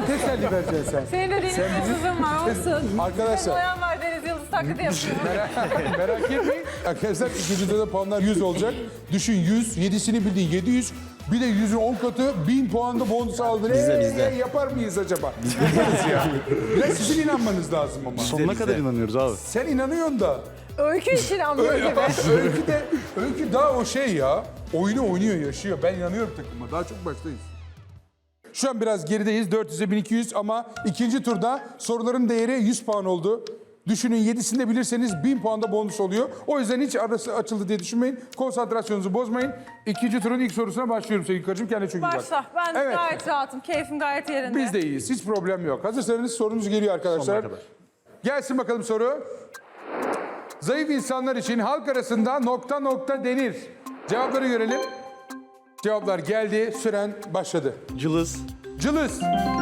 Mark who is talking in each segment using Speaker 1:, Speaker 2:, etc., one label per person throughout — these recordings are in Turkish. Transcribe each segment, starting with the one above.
Speaker 1: teselli vereceksin sen.
Speaker 2: Senin de deniz yıldızın var olsun.
Speaker 1: Arkadaşlar.
Speaker 2: Boyan var deniz yıldızı taklidi yapıyor.
Speaker 1: Merak etmeyin. Arkadaşlar ikinci turda puanlar 100 olacak. Düşün 100, 7'sini bildin 700. Bir de 100'ün 10 katı 1000 puanda bonus aldın.
Speaker 3: Bizde.
Speaker 1: Yapar mıyız acaba? Yaparız ya. Biraz sizin inanmanız lazım ama.
Speaker 3: Sonuna kadar inanıyoruz abi.
Speaker 1: Sen inanıyorsun da.
Speaker 2: Öykü için anlıyor gibi.
Speaker 1: Öykü daha o şey ya. Oyunu oynuyor, yaşıyor. Ben inanıyorum takıma. Daha çok baştayız. Şu an biraz gerideyiz. 400'e 1200 ama ikinci turda soruların değeri 100 puan oldu. Düşünün 7'sinde bilirseniz 1000 puanda bonus oluyor. O yüzden hiç arası açıldı diye düşünmeyin. Konsantrasyonunuzu bozmayın. İkinci turun ilk sorusuna başlıyorum sevgili karıcığım. Kendine çok iyi bak.
Speaker 2: Başla. Ben
Speaker 1: Evet.
Speaker 2: gayet rahatım. Keyfim gayet yerinde.
Speaker 1: Biz de iyiyiz. Hiç problem yok. Hazırsanız sorumuz geliyor arkadaşlar. Gelsin bakalım soru. Zayıf insanlar için halk arasında nokta nokta denir. Cevapları görelim. Cevaplar geldi. Süren başladı.
Speaker 3: Cılız,
Speaker 1: Cılız,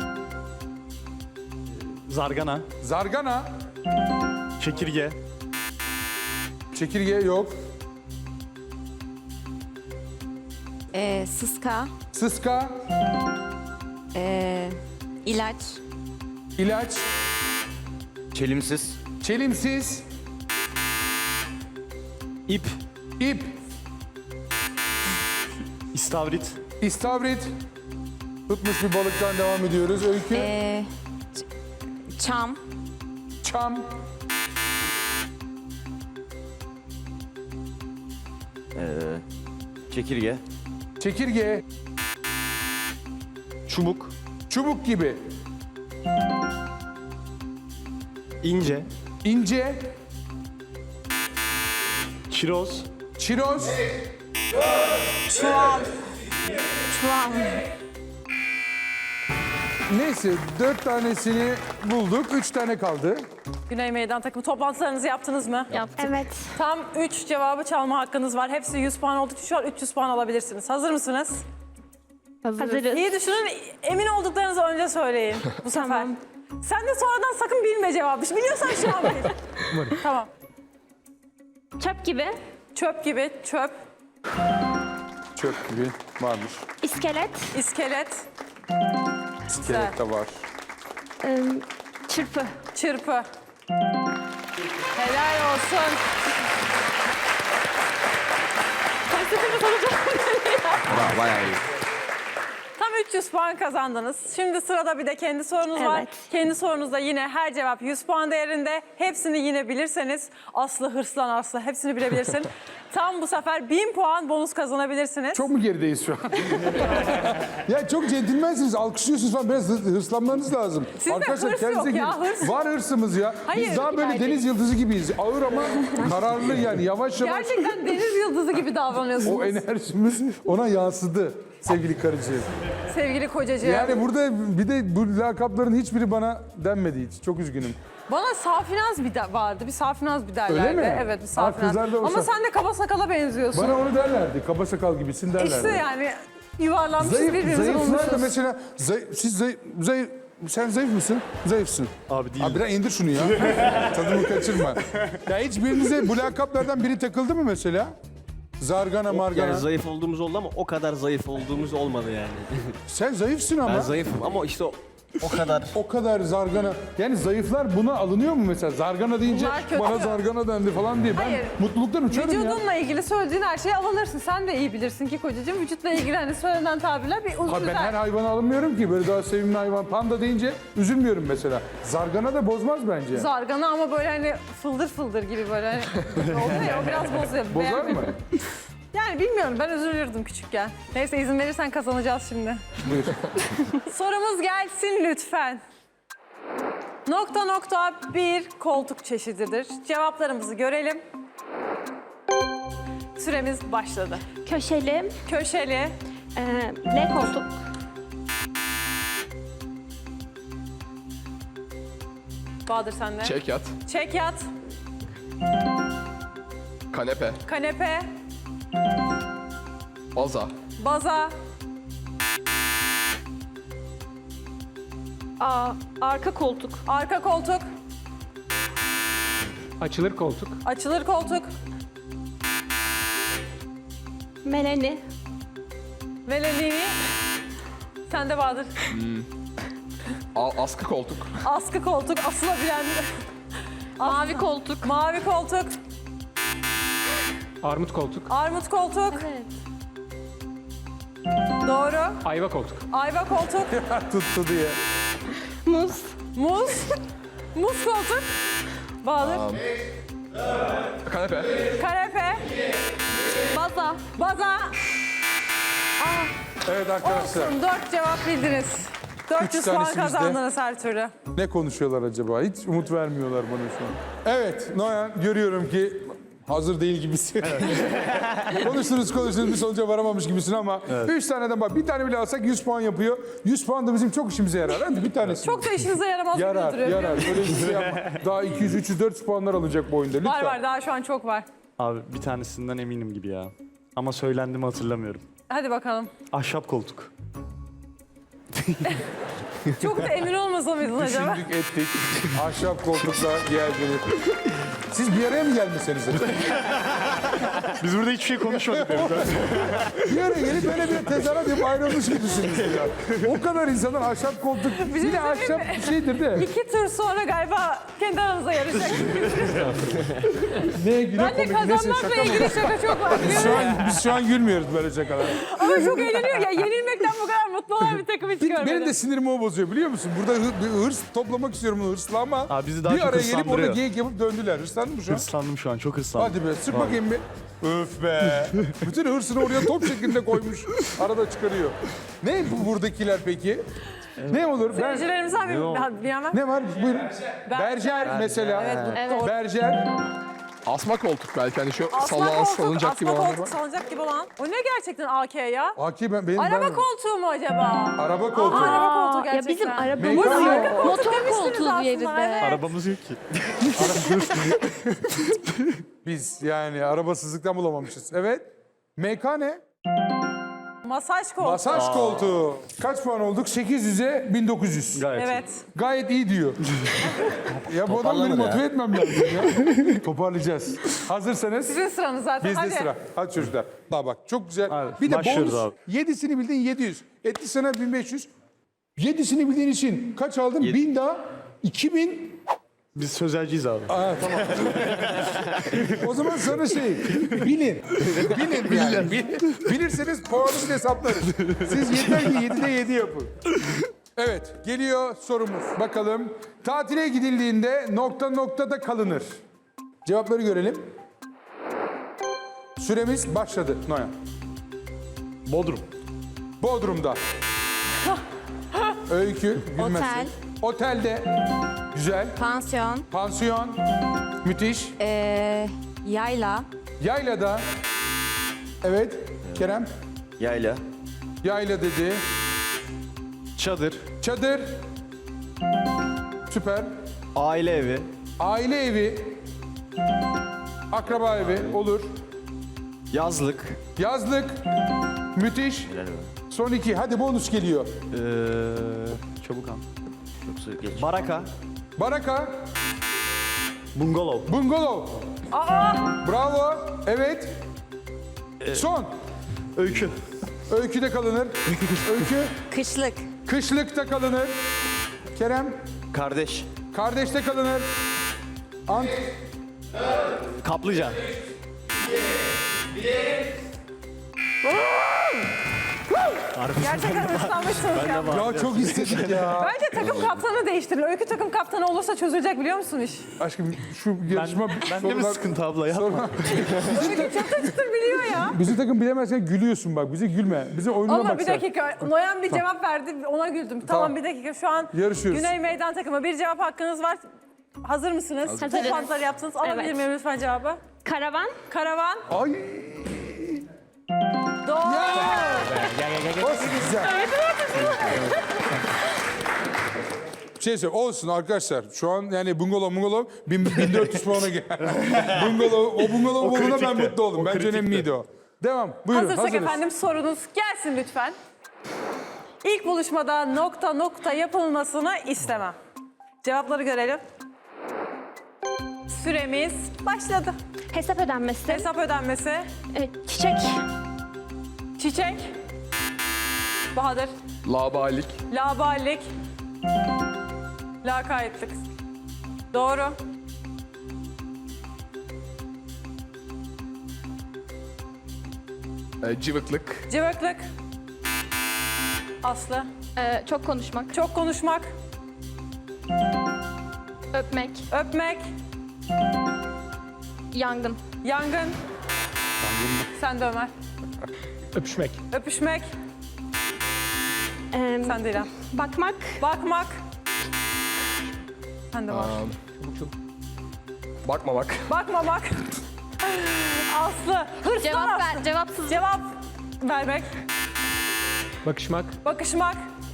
Speaker 3: zargana,
Speaker 1: zargana,
Speaker 3: çekirge,
Speaker 1: çekirge yok.
Speaker 4: Sıska,
Speaker 1: Sıska,
Speaker 4: ilaç,
Speaker 1: ilaç,
Speaker 5: Çelimsiz.
Speaker 1: çelimsiz,
Speaker 3: ip,
Speaker 1: ip,
Speaker 3: istavrit,
Speaker 1: istavrit. Tutmuş bir balıktan devam ediyoruz. Öykü,
Speaker 4: çam,
Speaker 1: çam,
Speaker 5: Çekirge.
Speaker 1: çekirge,
Speaker 3: çubuk,
Speaker 1: çubuk gibi,
Speaker 3: ince,
Speaker 1: ince,
Speaker 3: çiroz,
Speaker 1: çiroz,
Speaker 4: çuval, çuval.
Speaker 1: neyse 4 tanesini bulduk. 3 tane kaldı.
Speaker 2: Güney Meydan takımı toplantılarınızı yaptınız mı?
Speaker 4: Yaptık. Evet.
Speaker 2: Tam 3 cevabı çalma hakkınız var. Hepsi 100 puan olduğu için şu an 300 puan alabilirsiniz. Hazır mısınız?
Speaker 4: Hazırız.
Speaker 2: İyi düşünün. Emin olduklarınızı önce söyleyin bu sefer.
Speaker 4: Tamam.
Speaker 2: Sen de sonradan sakın bilme cevabı. Biliyorsan şu an bil. Tamam.
Speaker 4: Çöp gibi,
Speaker 2: Çöp gibi, çöp,
Speaker 1: Çöp gibi varmış.
Speaker 4: iskelet,
Speaker 2: iskelet,
Speaker 1: İskelet de var.
Speaker 4: çırpı.
Speaker 2: çırpı. Helal olsun.
Speaker 5: Bayağı iyi.
Speaker 2: Tam 300 puan kazandınız. Şimdi sırada bir de kendi sorunuz var.
Speaker 4: Evet.
Speaker 2: Kendi sorunuzda yine her cevap 100 puan değerinde. Hepsini yine bilirseniz Aslı hırslan Aslı hepsini bilebilirsin. Tam bu sefer 1000 puan bonus kazanabilirsiniz.
Speaker 1: Çok mu gerideyiz şu an? Ya çok centilmensiniz, alkışlıyorsunuz falan. Biraz hırslanmanız lazım.
Speaker 2: Sizde hırs yok
Speaker 1: kendinize
Speaker 2: ya,
Speaker 1: gelin.
Speaker 2: hırs.
Speaker 1: Var hırsımız ya.
Speaker 2: Hayır,
Speaker 1: Biz daha böyle deniz yıldızı gibiyiz. Ağır ama kararlı yani. Yavaş yavaş
Speaker 2: Gerçekten deniz yıldızı gibi davranıyorsunuz
Speaker 1: o enerjimiz ona yansıdı sevgili karıcığım.
Speaker 2: sevgili kocacığım.
Speaker 1: Yani burada bir de bu lakapların hiçbiri bana denmedi hiç. Çok üzgünüm.
Speaker 2: Bana Safinaz vardı. Bir Safinaz bir derlerdi.
Speaker 1: Öyle mi?
Speaker 2: Evet bir
Speaker 1: Ha,
Speaker 2: Safinaz.
Speaker 1: kızlar da o
Speaker 2: Ama sen de kaba sakala benziyorsun.
Speaker 1: Bana onu derlerdi. Kaba sakal gibisin derlerdi.
Speaker 2: İşte yani yuvarlanmışız birbirimizi
Speaker 1: Zayıflar da
Speaker 2: bulmuşuz.
Speaker 1: mesela siz zayıf sen zayıf mısın? Zayıfsın.
Speaker 3: abi değil.
Speaker 1: Abi biraz indir şunu ya. Tadımı kaçırma. Ya hiç birinize bu lakaplardan biri takıldı mı mesela? Zargana, margana.
Speaker 6: Yani zayıf olduğumuz oldu ama o kadar zayıf olduğumuz olmadı yani.
Speaker 1: Sen zayıfsın ama.
Speaker 6: Ben zayıfım ama işte o kadar.
Speaker 1: O kadar zargana. Yani zayıflar buna alınıyor mu mesela? Zargana deyince
Speaker 2: Bunlar kötü.
Speaker 1: bana zargana dendi falan diye. Ben
Speaker 2: Hayır.
Speaker 1: mutluluktan uçarım ya.
Speaker 2: Vücudunla ilgili söylediğin her şeyi alınırsın. Sen de iyi bilirsin ki kocacığım. Vücutla ilgili hani söylenen tabirler bir uzun
Speaker 1: Ha, ben her hayvana alınmıyorum ki. Böyle daha sevimli hayvan. Panda deyince üzülmüyorum mesela. Zargana da bozmaz bence.
Speaker 2: zargana ama böyle hani fıldır fıldır gibi böyle hani oluyor ya o biraz bozuyor.
Speaker 1: Bozar mı?
Speaker 2: Beğenmedim. Yani bilmiyorum ben üzülürdüm küçükken. Neyse izin verirsen kazanacağız şimdi.
Speaker 1: Buyur.
Speaker 2: Sorumuz gelsin lütfen. Nokta nokta bir koltuk çeşididir. Cevaplarımızı görelim. Süremiz başladı.
Speaker 4: Köşeli,
Speaker 2: Köşeli,
Speaker 4: L koltuk,
Speaker 2: Bahadır sende.
Speaker 5: Çekyat.
Speaker 2: Çekyat,
Speaker 5: Kanepe.
Speaker 2: kanepe,
Speaker 5: Baza.
Speaker 2: baza,
Speaker 4: arka koltuk,
Speaker 2: arka koltuk,
Speaker 7: Açılır koltuk.
Speaker 2: açılır koltuk,
Speaker 4: meleni,
Speaker 2: velelini. Sende Bahadır.
Speaker 5: Askı koltuk.
Speaker 2: Askı koltuk, asılabilen.
Speaker 4: Mavi koltuk.
Speaker 2: Mavi koltuk,
Speaker 7: Armut koltuk.
Speaker 2: armut koltuk.
Speaker 4: Evet.
Speaker 2: Doğru.
Speaker 7: Ayva koltuk.
Speaker 2: Ayva koltuk,
Speaker 1: Tuttu diye.
Speaker 4: Muz.
Speaker 2: muz. Muz koltuk. Bahadır.
Speaker 5: Kanepe.
Speaker 2: Kanepe,
Speaker 4: Baza.
Speaker 2: baza.
Speaker 1: Evet arkadaşlar.
Speaker 2: Olsun, 4 cevap bildiniz. 400 puan
Speaker 1: tanesi bizde.
Speaker 2: kazandınız her türlü.
Speaker 1: Ne konuşuyorlar acaba? Hiç umut vermiyorlar bana şu an. Evet Noyan, görüyorum ki hazır değil gibisin. konuştunuz bir sonuca varamamış gibisin ama 3 taneden bak bir tane bile alsak 100 puan yapıyor. 100 puan da bizim çok işimize yarar. Hadi bir tanesi.
Speaker 2: Çok da işinize yaramaz gibi
Speaker 1: yarar,
Speaker 2: duruyor.
Speaker 1: yarar. Öyle bir şey yapma. Daha 200, 300, 400 puanlar alınacak bu oyunda. Lütfen.
Speaker 2: Var var, daha şu an çok var.
Speaker 3: Abi bir tanesinden eminim gibi ya. Ama söylendi mi hatırlamıyorum.
Speaker 2: Hadi bakalım.
Speaker 3: Ahşap koltuk.
Speaker 2: Çok da emin olmasa mıydın acaba?
Speaker 1: Düşündük ettik. Ahşap koltukla geldi. Siz bir araya mı gelmişsiniz?
Speaker 3: Biz burada hiçbir şey konuşmadık.
Speaker 1: Bir araya gelip böyle bir tezahürat yapıp ayrılmış gibisiniz ya. O kadar insanın ahşap koltuk. Yine ahşap bir şeydir de.
Speaker 2: 2 tur sonra galiba kendi aranızda yarışacak.
Speaker 1: Ne güne
Speaker 2: Ben de
Speaker 1: komik, neyse
Speaker 2: kazanmakla
Speaker 1: şaka mı?
Speaker 2: ilgili şaka çok var.
Speaker 1: Biz şu an gülmüyoruz böyle şakalar.
Speaker 2: Ama çok eğleniyor ya. Yenilmekten bu kadar mutlu olan bir takım hiç görmedim.
Speaker 1: Benim de sinirimi o bozuyor biliyor musun? Burada bir hırs toplamak istiyorum hırsla ama
Speaker 3: Abi bizi daha
Speaker 1: bir
Speaker 3: çok
Speaker 1: araya gelip orada
Speaker 3: hırslandırıyor.
Speaker 1: geyik yapıp döndüler. Hırslandın mı şu an?
Speaker 3: Hırslandım şu an, çok hırslandım.
Speaker 1: Hadi be sık bakayım bir. Öf be. Bütün hırsını oraya top şeklinde koymuş. Arada çıkarıyor. Ne bu buradakiler peki? Ne olur? Ben,
Speaker 2: Seyircilerimizden bir bilemem.
Speaker 1: ne var? Buyurun. Berjer mesela.
Speaker 2: Evet.
Speaker 1: Berjer.
Speaker 5: Asma koltuk belki hani şu
Speaker 2: Asma
Speaker 5: salınacak gibi
Speaker 2: asma
Speaker 5: olanlar
Speaker 2: koltuk
Speaker 5: var.
Speaker 2: salınacak gibi olan. O ne gerçekten AK ya?
Speaker 1: Aki benim
Speaker 2: Araba
Speaker 1: ben,
Speaker 2: koltuğu mu acaba?
Speaker 1: Araba koltuğu.
Speaker 2: Araba koltuğu
Speaker 4: Ya
Speaker 2: gerçekten.
Speaker 4: bizim arabamız
Speaker 1: Meykan
Speaker 4: yok.
Speaker 1: yok.
Speaker 4: Motor
Speaker 2: demiştiniz
Speaker 4: koltuğu
Speaker 2: aslında,
Speaker 4: yerinde.
Speaker 2: evet.
Speaker 3: Arabamız yok ki.
Speaker 1: Biz yani arabasızlıktan bulamamışız. Evet. MK ne?
Speaker 2: Masaj koltuğu.
Speaker 1: Masaj koltuğu. Kaç puan olduk? 800'e 1900.
Speaker 3: Gayet.
Speaker 2: Evet.
Speaker 1: Gayet iyi diyor. Ya bu adamı benim motive etmem lazım ya. Toparlayacağız. Hazırsanız
Speaker 2: Sizin sıranız zaten.
Speaker 1: bizde
Speaker 2: Hadi.
Speaker 1: sıra. Hadi çocuklar. Daha bak çok güzel.
Speaker 3: Hadi,
Speaker 1: Bir de
Speaker 3: başlıyoruz
Speaker 1: bonus.
Speaker 3: abi.
Speaker 1: 7'sini bildin 700. Etti sana 1500. 7'sini bildiğin için kaç aldın? 1000 daha. 2000.
Speaker 3: Biz sözelciyiz abi.
Speaker 1: Aa, tamam. O zaman sana bilin. Bilin yani. Bilirseniz puanınızı hesaplarız. Siz yeter ki 7'de 7 yapın. Evet, geliyor sorumuz. Bakalım. Tatile gidildiğinde noktada kalınır. Cevapları görelim. Süremiz başladı. Noyan.
Speaker 3: Bodrum.
Speaker 1: Bodrum'da. Öykü, gülmesin.
Speaker 8: Otel.
Speaker 1: Otelde. Güzel.
Speaker 8: Pansiyon,
Speaker 1: Pansiyon. Müthiş.
Speaker 8: yayla,
Speaker 1: Yaylada. Evet. Kerem.
Speaker 6: Yayla.
Speaker 1: Yayla dedi.
Speaker 3: Çadır.
Speaker 1: Çadır. Süper.
Speaker 3: Aile evi.
Speaker 1: Aile evi. Akraba evi. Olur.
Speaker 3: Yazlık.
Speaker 1: Yazlık. Müthiş. Son 2. Hadi bonus geliyor.
Speaker 3: Çabuk an. Baraka.
Speaker 1: Baraka.
Speaker 3: Bungalov.
Speaker 1: Bungalov. Bravo. Evet. Son.
Speaker 3: Öykü.
Speaker 1: Öyküde kalınır. Öykü.
Speaker 8: kışlık,
Speaker 1: Kışlıkta kalınır. Kerem.
Speaker 6: Kardeş.
Speaker 1: Kardeşte kalınır. Ant.
Speaker 3: Kaplıca.
Speaker 2: Gerçekten ıslanmışsınız ya.
Speaker 1: Ya çok istedik ya.
Speaker 2: Bence takım kaptanı değiştirin. Öykü takım kaptanı olursa çözülecek biliyor musun iş?
Speaker 1: Aşkım şu yarışma
Speaker 3: Bende mi sıkıntı abla ya?
Speaker 2: Öykü çıtır çıtır biliyor ya.
Speaker 1: Bizi takım bilemezsen gülüyorsun bak. Bize gülme. Bize oyununa
Speaker 2: Ama
Speaker 1: bak
Speaker 2: bir
Speaker 1: sen.
Speaker 2: dakika. Noyan bir cevap verdi. Ona güldüm. Tamam bir dakika. Şu an
Speaker 1: Yarışıyoruz.
Speaker 2: Güney Meydan takımı. Bir cevap hakkınız var. Hazır mısınız?
Speaker 4: Hazırız.
Speaker 2: Toplantıları yaptınız. Alabilir
Speaker 4: Evet.
Speaker 2: miyim lütfen cevabı?
Speaker 4: Karavan.
Speaker 2: Karavan.
Speaker 1: Ay.
Speaker 2: Doğru.
Speaker 1: O güzel. Bir şey söyleyeyim. Olsun arkadaşlar. Şu an yani bungalov 1400 puana gel. O bungalov olduğuna ben mutlu oldum. Bence önemliydi o. Devam. Buyurun.
Speaker 2: Hazırsak
Speaker 1: Hazırız.
Speaker 2: efendim sorunuz gelsin lütfen. İlk buluşmada nokta yapılmasını istemem. Cevapları görelim. Süremiz başladı.
Speaker 4: Hesap ödenmesi.
Speaker 2: Hesap ödenmesi.
Speaker 4: Çiçek.
Speaker 2: Çiçek. Bahadır.
Speaker 5: Laubalilik.
Speaker 2: Laubalilik. Lakaytlık. Doğru.
Speaker 5: Cıvıklık.
Speaker 2: Cıvıklık. Aslı.
Speaker 4: Çok konuşmak.
Speaker 2: Çok konuşmak.
Speaker 4: Öpmek.
Speaker 2: Öpmek.
Speaker 4: Yangın.
Speaker 2: Yangın. Sen de Ömer.
Speaker 5: Öpüşmek.
Speaker 2: Öpüşmek. Sen de İrem.
Speaker 4: Bakmak.
Speaker 2: Bakmak. Sen de var.
Speaker 5: Bakmamak.
Speaker 2: Bakmamak. Aslı. Hırslan
Speaker 4: Cevap
Speaker 2: Aslı.
Speaker 4: ver. Cevapsız.
Speaker 2: Cevap vermek.
Speaker 5: Bakışmak.
Speaker 2: Bakışmak.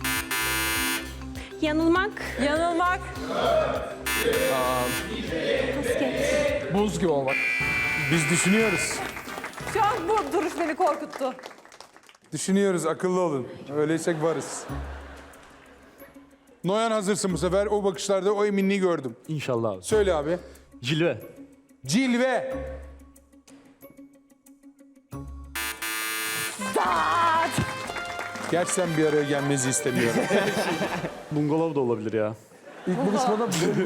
Speaker 4: Yanılmak.
Speaker 2: Yanılmak.
Speaker 5: Buz gibi olmak.
Speaker 1: Biz düşünüyoruz.
Speaker 2: Şu an bu duruş beni korkuttu.
Speaker 1: Düşünüyoruz, akıllı olun. Öyleysek varız. Noyan hazırsın bu sefer. O bakışlarda o eminliği gördüm.
Speaker 3: İnşallah abi.
Speaker 1: Söyle abi.
Speaker 3: Cilve.
Speaker 1: Cilve.
Speaker 2: Dağıt.
Speaker 1: Gerçi sen bir araya gelmenizi istemiyorum.
Speaker 3: Bungalov da olabilir ya.
Speaker 1: İlk buluşmada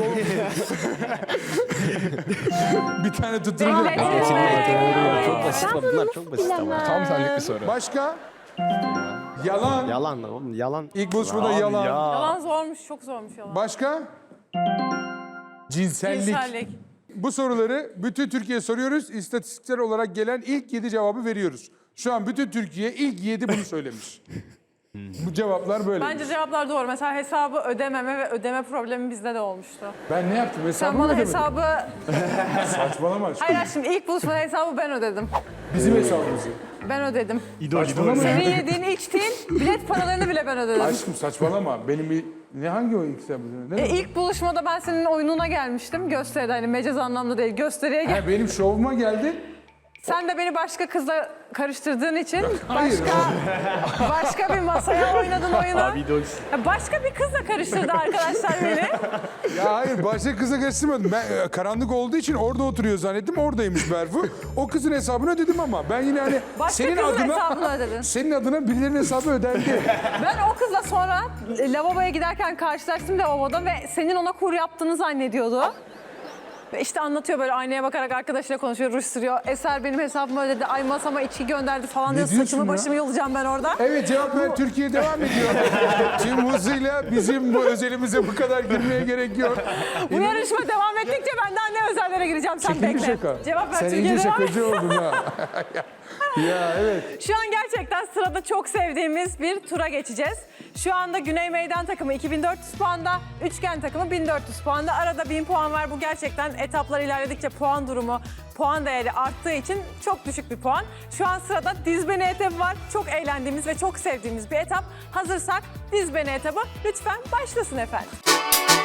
Speaker 1: bir tane tutturunca.
Speaker 6: Çok basit bunlar, çok basit ama.
Speaker 5: Tam senlik bir soru.
Speaker 1: Başka? Yalan.
Speaker 6: Yalan oğlum, yalan.
Speaker 1: İlk buluşmada yalan.
Speaker 2: Yalan zormuş, çok zormuş yalan.
Speaker 1: Başka? Cinsellik.
Speaker 2: Cinsellik.
Speaker 1: Bu soruları bütün Türkiye'ye soruyoruz. İstatistiksel olarak gelen ilk 7 cevabı veriyoruz. Şu an bütün Türkiye ilk 7 bunu söylemiş. Bu cevaplar böyle.
Speaker 2: Bence cevaplar doğru. Mesela hesabı ödememe ve ödeme problemi bizde de olmuştu.
Speaker 1: Ben ne yaptım?
Speaker 2: Sen
Speaker 1: Hesabımı
Speaker 2: bana
Speaker 1: ödemedim.
Speaker 2: hesabı...
Speaker 1: Saçmalama aşkım.
Speaker 2: Hayır şimdi ilk buluşmada hesabı ben ödedim.
Speaker 1: Bizim hesabımızı.
Speaker 2: Ben ödedim.
Speaker 3: İdol,
Speaker 1: Saçmalama
Speaker 3: idol.
Speaker 1: ya.
Speaker 2: Senin yediğin, içtiğin bilet paralarını bile ben ödedim.
Speaker 1: Aşkım saçmalama. Benim bir... Ne hangi o ilk hesabımız? Ne?
Speaker 2: İlk buluşmada ben senin oyununa gelmiştim. Gösteride hani mecaz anlamda değil. Gösteriye gel.
Speaker 1: Ha, benim şovuma geldi.
Speaker 2: Sen de beni başka kızla karıştırdığın için
Speaker 1: Hayır.
Speaker 2: başka bir masaya oynadın oyunu.
Speaker 3: Abi idol.
Speaker 2: Başka bir kızla karıştırdı arkadaşlar beni.
Speaker 1: Ya hayır başka kıza karıştırmadım. Ben karanlık olduğu için orada oturuyor zannettim. Oradaymış Berfu. O kızın hesabını ödedim ama. Ben yine hani
Speaker 2: Başka kızın hesabını ödedin.
Speaker 1: Senin adına birilerinin hesabı ödendi.
Speaker 2: Ben o kızla sonra lavaboya giderken karşılaştım lavaboda ve senin ona kur yaptığını zannediyordu. Ve işte anlatıyor böyle aynaya bakarak arkadaşıyla konuşuyor, ruj sürüyor. Eser benim hesabımı ödedi, ay masama içki gönderdi falan diyor.
Speaker 1: diyorsun
Speaker 2: Saçımı
Speaker 1: ya?
Speaker 2: başımı yolacağım ben orada.
Speaker 1: Evet cevap ver. Türkiye devam ediyor. Tüm hızıyla bizim bu özelimize bu kadar girmeye gerek yok.
Speaker 2: Bu yarışma devam ettikçe ben daha ne özellere gireceğim sen
Speaker 1: Çekildi
Speaker 2: bekle.
Speaker 1: şaka.
Speaker 2: Cevap ver
Speaker 1: Sen
Speaker 2: Türkiye
Speaker 1: iyice
Speaker 2: devam et.
Speaker 1: şakacı oldun ha. Ya evet.
Speaker 2: Şu an gerçekten sırada çok sevdiğimiz bir tura geçeceğiz. Şu anda Güney Meydan takımı 2400 puanda, Üçgen takımı 1400 puanda. Arada 1000 puan var. Bu gerçekten etaplar ilerledikçe puan durumu, puan değeri arttığı için çok düşük bir puan. Şu an sırada diz beni etabı var. Çok eğlendiğimiz ve çok sevdiğimiz bir etap. Hazırsak diz beni etabı lütfen başlasın efendim.